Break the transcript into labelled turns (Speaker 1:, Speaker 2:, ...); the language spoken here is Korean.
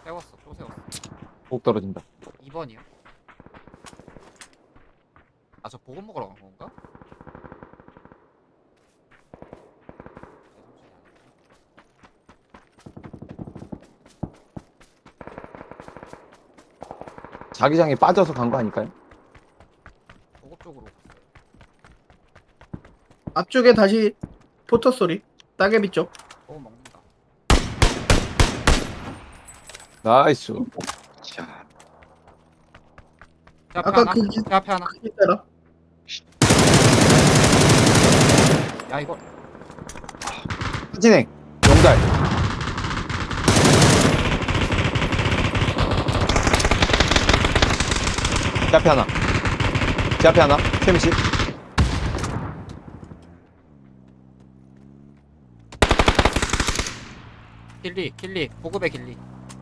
Speaker 1: 세웠어. 또 세웠어.
Speaker 2: 꼭 떨어진다.
Speaker 1: 2번이요. 아, 저 보급 먹으러 간 건가?
Speaker 2: 자기장에 빠져서 간 거 아닐까요?
Speaker 1: 보급 쪽으로 갔어요.
Speaker 3: 앞쪽에 다시 포터 소리. 따개비 쪽.
Speaker 1: 보급 먹는다.
Speaker 2: 나이스. 자,
Speaker 1: 제 앞에
Speaker 3: 아까
Speaker 1: 하나.
Speaker 3: 그
Speaker 1: 제 앞에 하나.
Speaker 3: 있더라.
Speaker 1: 야, 이거.
Speaker 2: 진행. 용달. 제 앞에 하나. 제 앞에 하나. 세미씨.
Speaker 1: 길리. 보급의 길리.